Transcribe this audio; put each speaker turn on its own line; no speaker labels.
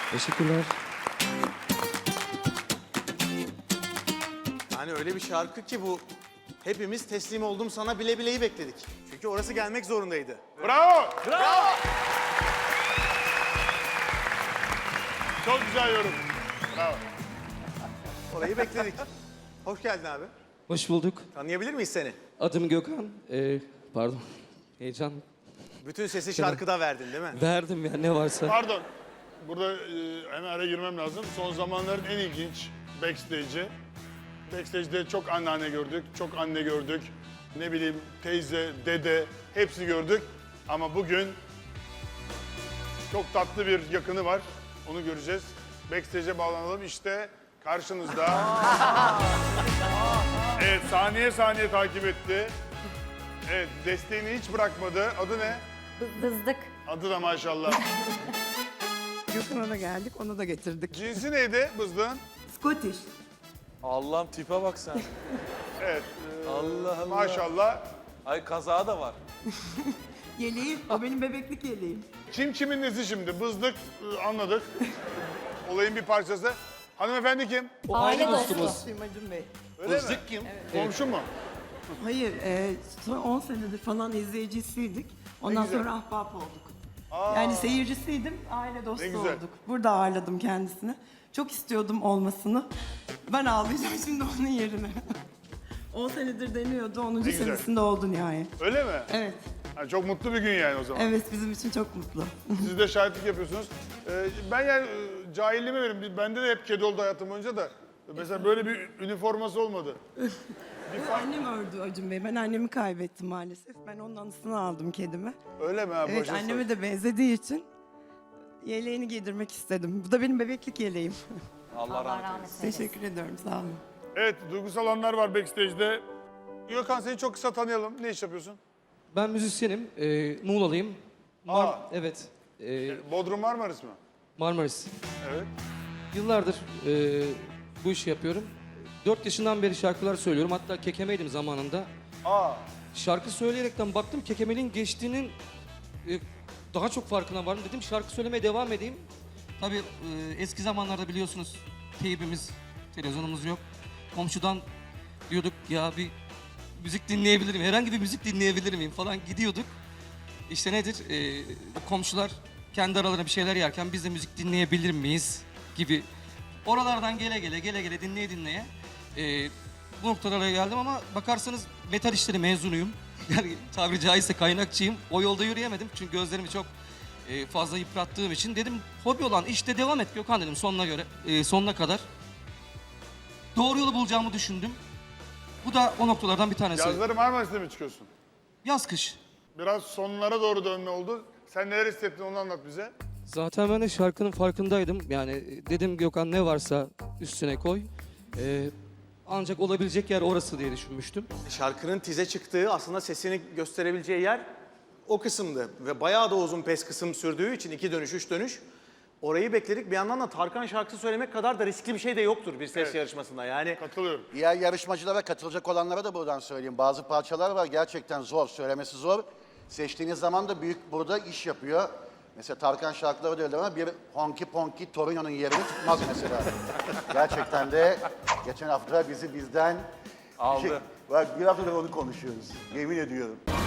Teşekkürler.
Yani öyle bir şarkı ki bu. Hepimiz teslim oldum sana bile bileyi bekledik. Çünkü orası gelmek zorundaydı.
Bravo! Çok güzel yorum. Bravo.
Orayı bekledik. Hoş geldin abi.
Hoş bulduk.
Tanıyabilir miyiz seni?
Adım Gökhan. Pardon. Heyecan.
Bütün sesi şarkıda verdin değil mi?
Verdim ya ne varsa.
Pardon. Burada hemen araya girmem lazım. Son zamanların en ilginç backstage'i. Backstage'de çok anneanne gördük, çok anne gördük. Ne bileyim teyze, dede hepsini gördük. Ama bugün çok tatlı bir yakını var. Onu göreceğiz. Backstage'e bağlanalım. İşte karşınızda. Evet, saniye saniye takip etti. Evet, desteğini hiç bırakmadı. Adı ne?
Bızdık.
Adı da maşallah.
Gökhan'a da geldik, onu da getirdik.
Cinsi neydi bızdığın?
Scottish.
Allah'ım tipe bak sen.
Evet,
Allah Allah.
maşallah.
Ay kazağı da var.
Yeleğim, o benim bebeklik yeleğim.
Kim kimin nesi şimdi? Bızdık anladık. Olayın bir parçası. Hanımefendi kim?
O
Aile
aile
dostu.
dostumuz.
Simacım Bey.
Öyle mi?
kim?
Komşu mu?
Hayır, son 10 senedir falan izleyicisiydik. Ondan
güzel.
sonra ahbap olduk. Yani seyircisiydim, aile dostu
Ne güzel.
olduk. Burada ağırladım kendisini. Çok istiyordum olmasını. Ben ağlayacağım şimdi onun yerine. 10 senedir deniyordu, 10.
güzel.
senesinde oldu nihayet.
Öyle mi?
Evet,
Ha, çok mutlu bir gün yani o zaman.
evet bizim için çok mutlu.
Siz de şahitlik yapıyorsunuz. Ben yani cahilliğime verim. Bende de hep kedi oldu hayatım boyunca da. Mesela böyle bir üniforması olmadı.
Annem ördü Acun Bey. Ben annemi kaybettim maalesef. Ben onun anısını aldım kedime.
Öyle mi? Ha,
Evet,
başa
anneme
sor.
de benzediği için yeleğini giydirmek istedim. Bu da benim bebeklik yeleğim.
Allah rahmet eylesin.
Teşekkür ediyorum, sağ olun.
Evet, duygusal anlar var backstage'de. Gökhan seni çok kısa tanıyalım. Ne iş yapıyorsun?
Ben müzisyenim. Muğla'lıyım. Evet.
Bodrum Marmaris mi?
Marmaris.
Evet.
Yıllardır bu işi yapıyorum. 4 yaşından beri şarkılar söylüyorum. Hatta kekemeydim zamanında.
Aa,
Şarkı söyleyerekten baktım kekemeliğin geçtiğinin daha çok farkına vardım. Dedim şarkı söylemeye devam edeyim. Tabii eski zamanlarda biliyorsunuz teybimiz, televizyonumuz yok. Komşudan diyorduk ya bir müzik dinleyebilir miyim? Herhangi bir müzik dinleyebilir miyim falan gidiyorduk. İşte nedir? Komşular kendi aralarında bir şeyler yerken biz de müzik dinleyebilir miyiz gibi. Oralardan gele gele dinleye bu noktalara geldim ama bakarsanız metal işleri mezunuyum. Yani tabiri caizse kaynakçıyım. O yolda yürüyemedim çünkü gözlerimi çok fazla yıprattığım için. Dedim hobi olan işte devam et Gökhan dedim sonuna kadar. Doğru yolu bulacağımı düşündüm. Bu da o noktalardan bir tanesi.
yazları Marmaris'te mi çıkıyorsun?
Yaz kış.
Biraz sonlara doğru dönme oldu. Sen neler hissettin onu anlat bize.
Zaten ben de şarkının farkındaydım. Yani dedim Gökhan ne varsa üstüne koy. Ancak olabilecek yer orası diye düşünmüştüm.
Şarkının tize çıktığı aslında sesini gösterebileceği yer o kısımdı. Ve bayağı da uzun pes kısım sürdüğü için 2 dönüş 3 dönüş. Orayı bekledik. Bir yandan da Tarkan şarkısı söylemek kadar da riskli bir şey de yoktur bir ses yarışmasında. Yani
Katılıyorum.
Diğer yarışmacılara katılacak olanlara da buradan söyleyeyim. Bazı parçalar var gerçekten zor, söylemesi zor. Seçtiğiniz zaman da büyük burada iş yapıyor. Mesela Tarkan şarkıları da öyle ama bir Honky Ponky Torino'nun yerini tutmaz mesela. Gerçekten de geçen hafta bizden
Aldı.
bak bir haftadır onu konuşuyoruz. Yemin ediyorum.